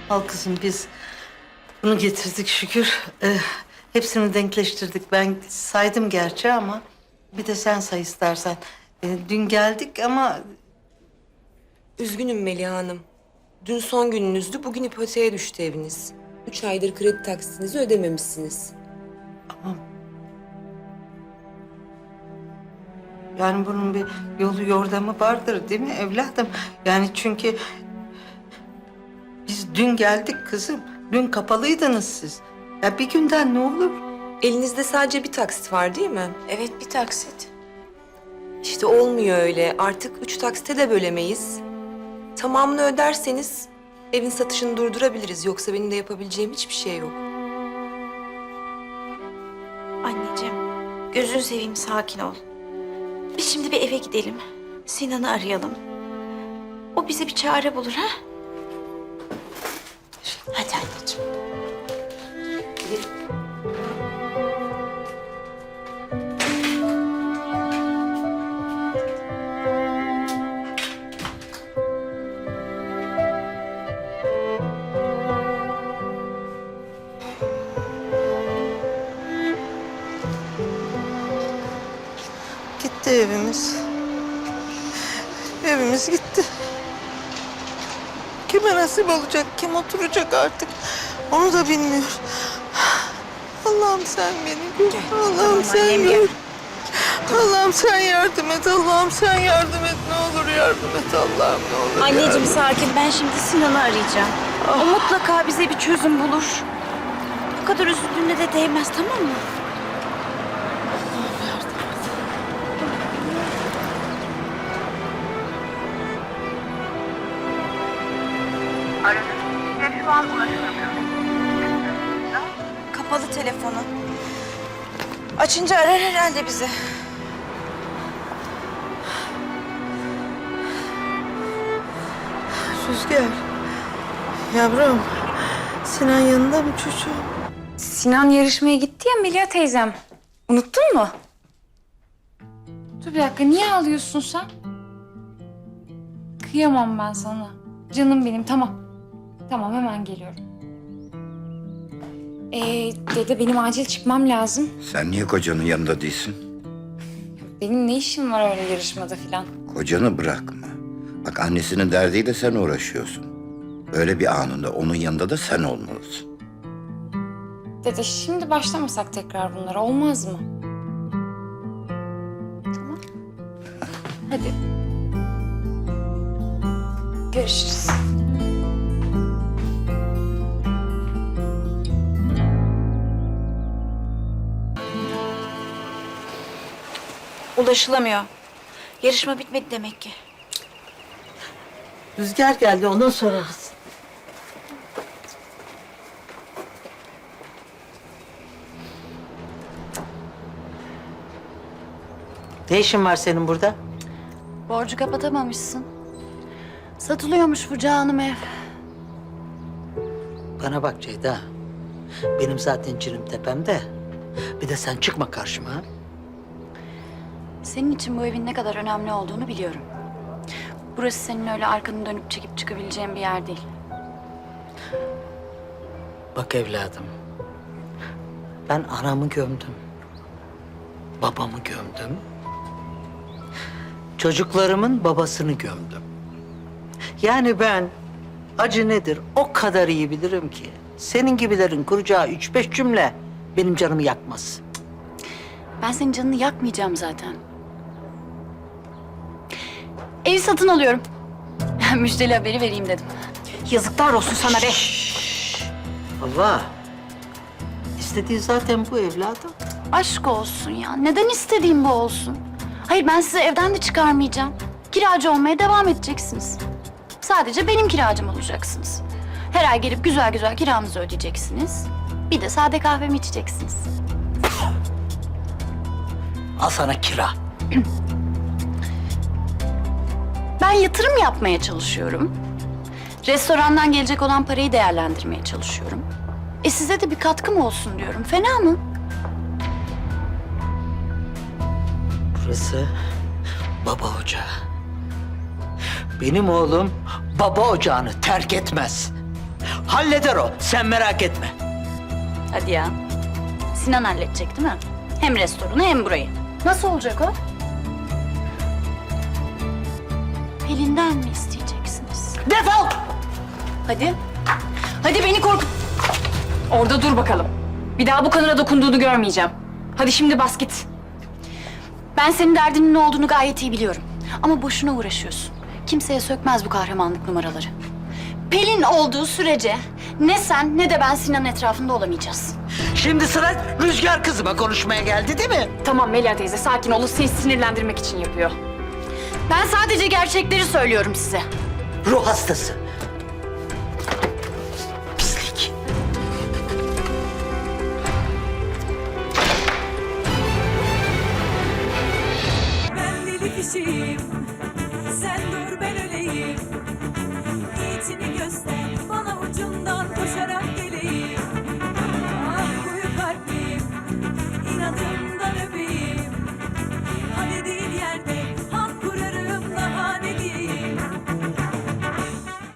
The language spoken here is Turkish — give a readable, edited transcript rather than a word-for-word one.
Al kızım biz bunu getirdik şükür. Hepsini denkleştirdik. Ben saydım gerçi ama bir de sen say istersen. Dün geldik ama Üzgünüm Meliha Hanım. Dün son gününüzdü, bugün ipoteğe düştü eviniz. 3 aydır kredi taksitinizi ödememişsiniz. yani bunun bir yolu yordamı vardır değil mi evladım? Yani çünkü biz dün geldik kızım. Dün kapalıydınız siz. Ya bir günden ne olur? Elinizde sadece bir taksit var değil mi? Evet, bir taksit. İşte olmuyor öyle. Artık 3 taksite de bölemeyiz. Tamamını öderseniz evin satışını durdurabiliriz. Yoksa benim de yapabileceğim hiçbir şey yok. Anneciğim, gözünü seveyim, sakin ol. Biz şimdi bir eve gidelim. Sinan'ı arayalım. O bize bir çare bulur, ha? Hadi anneciğim. Gitti evimiz. Evimiz gitti. Kime nasip olacak, kim oturacak artık onu da bilmiyor. Allah'ım sen beni gör. Allah'ım sen annem, gör. gel. Allah'ım sen yardım et. Allah'ım sen yardım et. Ne olur yardım et Allah'ım ne olur. Anneciğim sakin, ben şimdi Sinan'ı arayacağım. O mutlaka bize bir çözüm bulur. Bu kadar üzüldüğüne de değmez, tamam mı? Aradığınız kişiye şu an ulaşılamıyor. Kapalı telefonu. Açınca arar herhalde bizi. Rüzgar. Yavrum. Sinan yanında mı çocuğum? Sinan yarışmaya gitti ya Melia teyzem. Unuttun mu? Dur bir dakika, niye ağlıyorsun sen? Kıyamam ben sana. Canım benim, tamam. Tamam, hemen geliyorum. Dede benim acil çıkmam lazım. Sen niye kocanın yanında değilsin? Benim ne işim var öyle yarışmada falan? Kocanı bırakma. Bak annesinin derdiyle sen uğraşıyorsun. Öyle bir anında onun yanında da sen olmalısın. Dede şimdi başlamasak tekrar bunlara olmaz mı? Tamam. Hadi. Görüşürüz. Ulaşılamıyor. Yarışma bitmedi demek ki. Rüzgar geldi ondan sorarız. Ne işin var senin burada? Borcu kapatamamışsın. Satılıyormuş bu canım ev. Bana bak Ceyda. Benim zaten cirim tepemde. Bir de sen çıkma karşıma. Ha? Senin için bu evin ne kadar önemli olduğunu biliyorum. Burası senin öyle arkanı dönüp çekip çıkabileceğin bir yer değil. Bak evladım. Ben anamı gömdüm. Babamı gömdüm. Çocuklarımın babasını gömdüm. Yani ben acı nedir o kadar iyi bilirim ki. Senin gibilerin kuracağı 3-5 cümle benim canımı yakmaz. Ben senin canını yakmayacağım zaten. Evi satın alıyorum. Müjdeli haberi vereyim dedim. Yazıklar olsun sana be. Allah. İstediği zaten bu evladım. Aşk olsun ya. Neden istediğim bu olsun? Hayır, ben sizi evden de çıkarmayacağım. Kiracı olmaya devam edeceksiniz. Sadece benim kiracım olacaksınız. Her ay gelip güzel güzel kiranızı ödeyeceksiniz. Bir de sade kahvemi içeceksiniz. Al sana kira. Ben yatırım yapmaya çalışıyorum. Restorandan gelecek olan parayı değerlendirmeye çalışıyorum. Size de bir katkım olsun diyorum. Fena mı? Burası baba ocağı. Benim oğlum baba ocağını terk etmez. Halleder o, sen merak etme. Hadi ya. Sinan halledecek değil mi? Hem restoranı hem burayı. Nasıl olacak o? Pelin'den mi isteyeceksiniz? Defol! Hadi. Hadi beni korkut. Orada dur bakalım. Bir daha bu kadına dokunduğunu görmeyeceğim. Hadi şimdi bas git. Ben senin derdinin ne olduğunu gayet iyi biliyorum. Ama boşuna uğraşıyorsun. Kimseye sökmez bu kahramanlık numaraları. Pelin olduğu sürece ne sen ne de ben Sinan'ın etrafında olamayacağız. Şimdi sıra Rüzgar kızıma konuşmaya geldi değil mi? Tamam Melia teyze sakin ol. O seni sinirlendirmek için yapıyor. Ben sadece gerçekleri söylüyorum size. Ruh hastası.